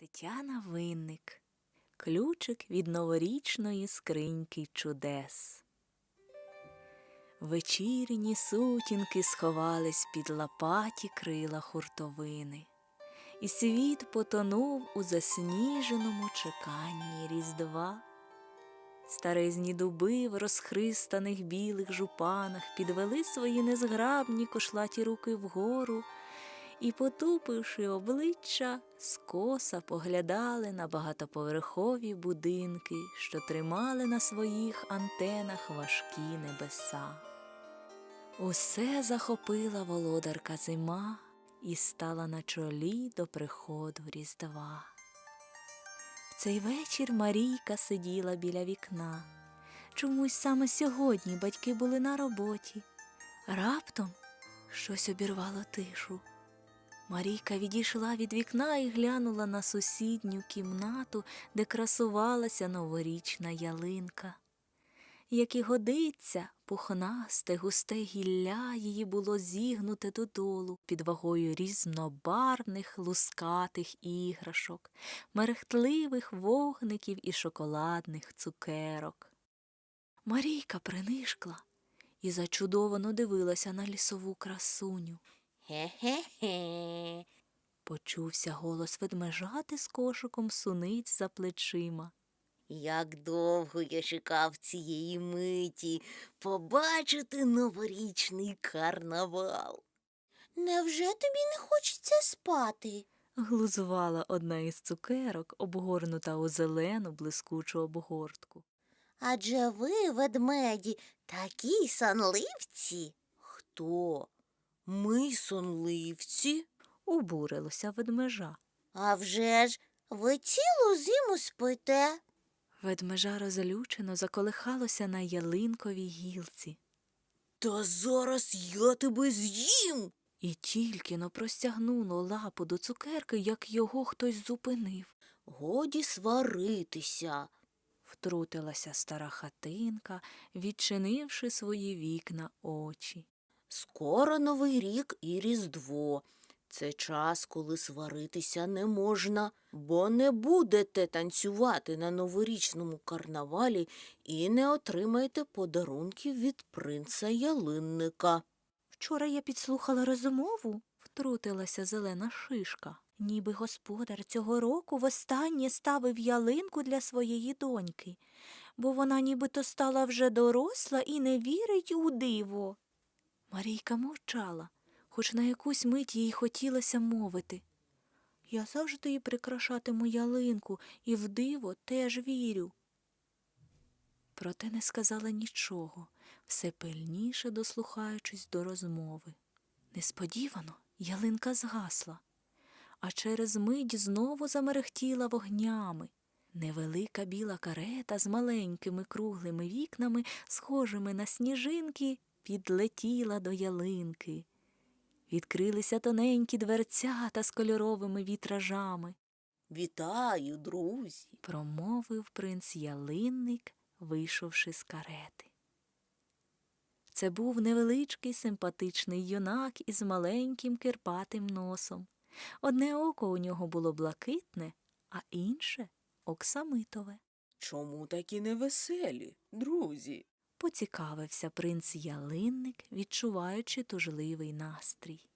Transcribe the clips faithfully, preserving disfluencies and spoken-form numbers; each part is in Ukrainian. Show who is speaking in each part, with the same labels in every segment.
Speaker 1: Тетяна Винник. Ключик від новорічної скриньки чудес. Вечірні сутінки сховались під лопаті крила хуртовини, і світ потонув у засніженому чеканні Різдва. Старезні дуби в розхристаних білих жупанах підвели свої незграбні кошлаті руки вгору і, потупивши обличчя, скоса поглядали на багатоповерхові будинки, що тримали на своїх антенах важкі небеса. Усе захопила володарка зима і стала на чолі до приходу Різдва. В цей вечір Марійка сиділа біля вікна. Чомусь саме сьогодні батьки були на роботі. Раптом щось обірвало тишу. Марійка відійшла від вікна і глянула на сусідню кімнату, де красувалася новорічна ялинка. Як і годиться, пухнасте, густе гілля її було зігнуте додолу під вагою різнобарвних лускатих іграшок, мерехтливих вогників і шоколадних цукерок. Марійка принишкла і зачудовано дивилася на лісову красуню.
Speaker 2: Хе-хе-хе.
Speaker 1: Почувся голос ведмежати з кошиком суниць за плечима.
Speaker 2: Як довго я чекав цієї миті побачити новорічний карнавал. Невже тобі не хочеться спати?
Speaker 1: Глузувала одна із цукерок, обгорнута у зелену блискучу обгортку.
Speaker 2: Адже ви, ведмеді, такі сонливці. Хто? Ми сонливці?
Speaker 1: Обурилося ведмежа.
Speaker 2: А вже ж, ви цілу зиму спите.
Speaker 1: Ведмежа розлючено заколихалося на ялинковій гілці.
Speaker 2: Та зараз я тебе з'їм.
Speaker 1: І тільки но простягнуло лапу до цукерки, як його хтось зупинив.
Speaker 2: Годі сваритися.
Speaker 1: Втрутилася стара хатинка, відчинивши свої вікна очі.
Speaker 2: Скоро Новий рік і Різдво. Це час, коли сваритися не можна, бо не будете танцювати на новорічному карнавалі і не отримаєте подарунків від принца ялинника.
Speaker 1: Вчора я підслухала розмову, втрутилася зелена шишка. Ніби господар цього року востаннє ставив ялинку для своєї доньки, бо вона нібито стала вже доросла і не вірить у диво. Марійка мовчала, хоч на якусь мить їй хотілося мовити. Я завжди і прикрашатиму ялинку, і в диво теж вірю. Проте не сказала нічого, все пильніше дослухаючись до розмови. Несподівано ялинка згасла, а через мить знову замерехтіла вогнями. Невелика біла карета з маленькими круглими вікнами, схожими на сніжинки, підлетіла до ялинки. Відкрилися тоненькі дверцята з кольоровими вітражами.
Speaker 2: «Вітаю, друзі!»
Speaker 1: – промовив принц Ялинник, вийшовши з карети. Це був невеличкий симпатичний юнак із маленьким кирпатим носом. Одне око у нього було блакитне, а інше – оксамитове.
Speaker 3: «Чому такі невеселі, друзі?»
Speaker 1: – поцікавився принц Ялинник, відчуваючи тужливий настрій.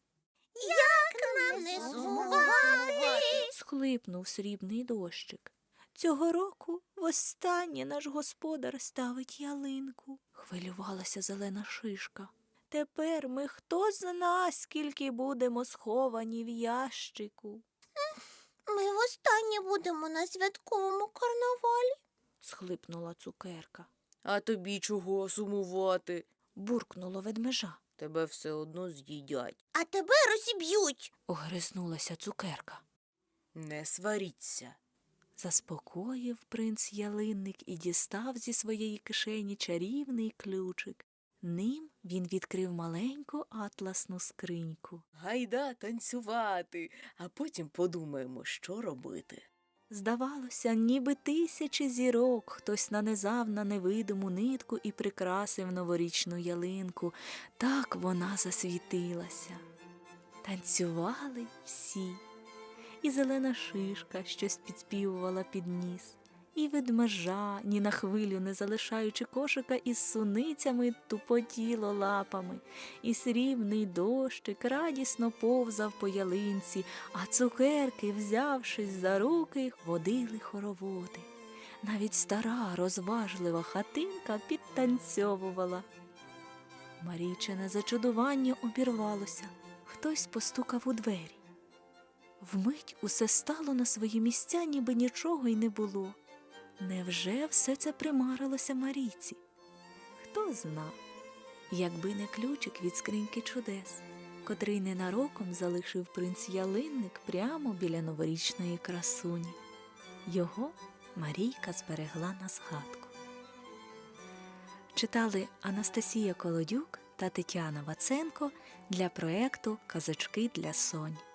Speaker 2: Як нам не сумувати?
Speaker 1: – схлипнув срібний дощик. Цього року востаннє наш господар ставить ялинку. Хвилювалася зелена шишка. Тепер ми хто зна, скільки будемо сховані в ящику.
Speaker 2: Ми востаннє будемо на святковому карнавалі.
Speaker 1: Схлипнула цукерка.
Speaker 3: «А тобі чого сумувати?
Speaker 1: Буркнуло ведмежа.
Speaker 3: Тебе все одно з'їдять.
Speaker 2: А тебе розіб'ють.
Speaker 1: Огризнулася цукерка.
Speaker 3: Не сваріться».
Speaker 1: Заспокоїв принц Ялинник і дістав зі своєї кишені чарівний ключик. Ним він відкрив маленьку атласну скриньку.
Speaker 3: Гайда танцювати, а потім подумаємо, що робити.
Speaker 1: Здавалося, ніби тисячі зірок хтось нанизав на невидиму нитку і прикрасив новорічну ялинку. Так вона засвітилася. Танцювали всі. і зелена шишка щось підспівувала під ніс, і ведмежа, ні на хвилю не залишаючи кошика із суницями, тупотіло лапами, і срібний дощик радісно повзав по ялинці, а цукерки, взявшись за руки, водили хороводи. Навіть стара розважлива хатинка підтанцьовувала. Марійчине зачудування обірвалося. Хтось постукав у двері. Вмить усе стало на свої місця, ніби нічого й не було. Невже все це примарилося Марійці? Хто зна, якби не ключик від скриньки чудес, котрий ненароком залишив принц Ялинник прямо біля новорічної красуні. Його Марійка зберегла на згадку. Читали Анастасія Колодюк та Тетяна Ваценко для проекту «Казочки для Сонь».